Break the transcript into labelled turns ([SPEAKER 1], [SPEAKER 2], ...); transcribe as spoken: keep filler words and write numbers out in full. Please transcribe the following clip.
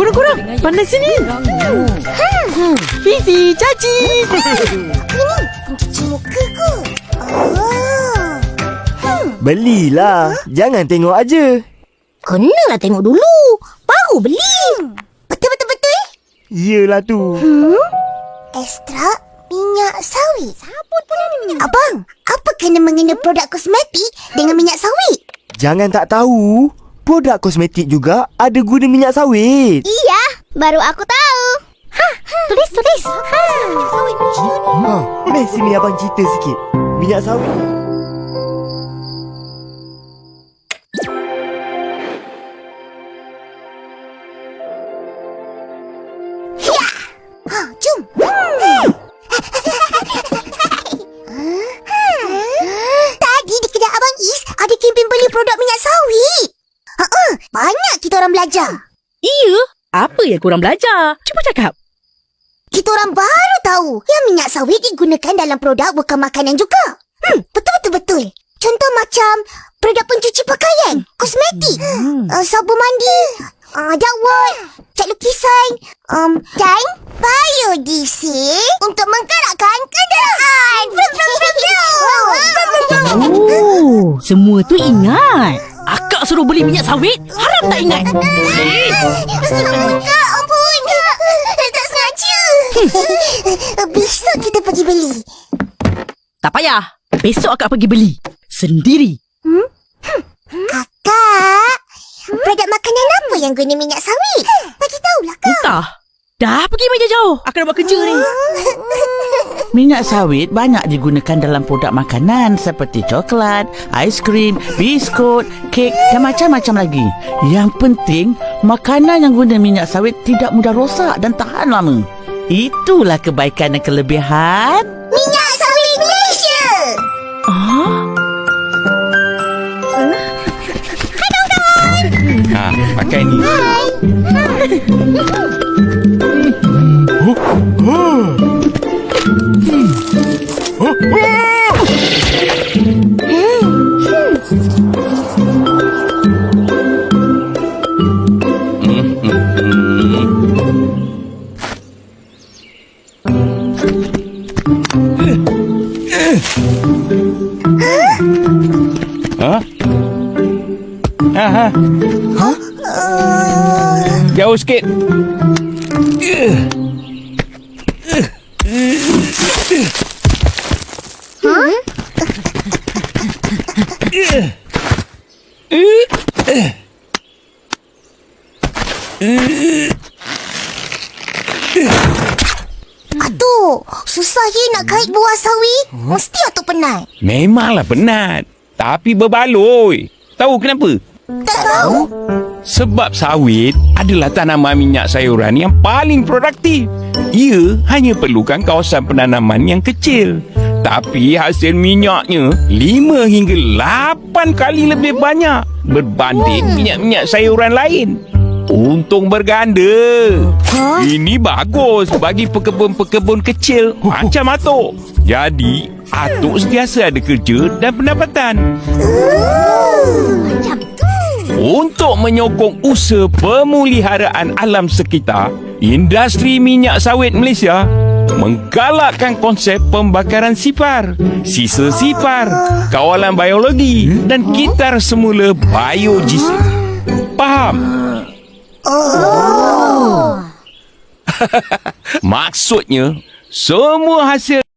[SPEAKER 1] Kurang-kurang, pandai sini. Hmm. Fizi, caci.
[SPEAKER 2] Ini cuci muka ku. Oh.
[SPEAKER 3] Belilah. Jangan tengok aja.
[SPEAKER 2] Kenalah tengok dulu. Baru beli. Betul-betul-betul.
[SPEAKER 3] Yelah tu.
[SPEAKER 2] Hmm? Ekstrak minyak sawit. Sabun pun ada minyak. Abang, apa kena mengena produk kosmetik dengan minyak sawit?
[SPEAKER 3] Jangan tak tahu. Produk kosmetik juga ada guna minyak sawit.
[SPEAKER 2] Iya, baru aku tahu. Ha, tulis, tulis. Ha, minyak sawit.
[SPEAKER 3] Ha, meh sini abang cerita sikit. Minyak sawit.
[SPEAKER 2] Ha, jom. Tadi di kedai Abang Is ada kempen beli produk minyak sawit. Ha, banyak kita orang belajar.
[SPEAKER 1] Iya, apa yang korang belajar? Cuba cakap.
[SPEAKER 2] Kita orang baru tahu yang minyak sawit digunakan dalam produk bukan makanan juga. Hmm, betul-betul-betul. Contoh macam produk pencuci pakaian, kosmetik,
[SPEAKER 1] Hmm.
[SPEAKER 2] uh, sabun mandi, uh, dakwat, cat lukisan, um, dan biodiesel untuk menggerakkan kenderaan. Brum, brum, brum, brum. Brum, brum, brum.
[SPEAKER 1] Oh, semua tu ingat. Akak suruh beli minyak sawit, harap tak ingat.
[SPEAKER 2] Ampun kak, ampun kak. Tak sengaja. Besok kita pergi beli.
[SPEAKER 1] Tak payah. Besok akak pergi beli. Sendiri.
[SPEAKER 2] Kakak, produk makanan apa yang guna minyak sawit? Bagi tahulah kak.
[SPEAKER 1] Entah. Dah pergi meja jauh. Akak nak buat kerja ni.
[SPEAKER 4] Minyak sawit banyak digunakan dalam produk makanan seperti coklat, aiskrim, biskut, kek dan macam-macam lagi. Yang penting, makanan yang guna minyak sawit tidak mudah rosak dan tahan lama. Itulah kebaikan dan kelebihan
[SPEAKER 2] Minyak sawit Malaysia.
[SPEAKER 1] Ah?
[SPEAKER 5] Ha, pakai ni. Ha? Ha ha. Jauh sikit.
[SPEAKER 2] Atuk, susah ye nak kait buah sawit. Mesti atuk penat.
[SPEAKER 5] Memanglah penat. Tapi berbaloi. Tahu kenapa?
[SPEAKER 2] Tak tahu.
[SPEAKER 5] Sebab sawit adalah tanaman minyak sayuran yang paling produktif. Ia hanya perlukan kawasan penanaman yang kecil. Tapi hasil minyaknya lima hingga lapan kali lebih banyak berbanding minyak-minyak sayuran lain. Untung berganda.
[SPEAKER 2] Huh?
[SPEAKER 5] Ini bagus bagi pekebun-pekebun kecil macam Atuk. Jadi, Atuk sentiasa ada kerja dan pendapatan.
[SPEAKER 2] Macam tu.
[SPEAKER 5] Untuk menyokong usaha pemeliharaan alam sekitar, industri minyak sawit Malaysia menggalakkan konsep pembakaran sipar, sisa sipar, kawalan biologi dan kitar semula biodiesel. Faham?
[SPEAKER 2] Oh.
[SPEAKER 5] Maksudnya, semua hasil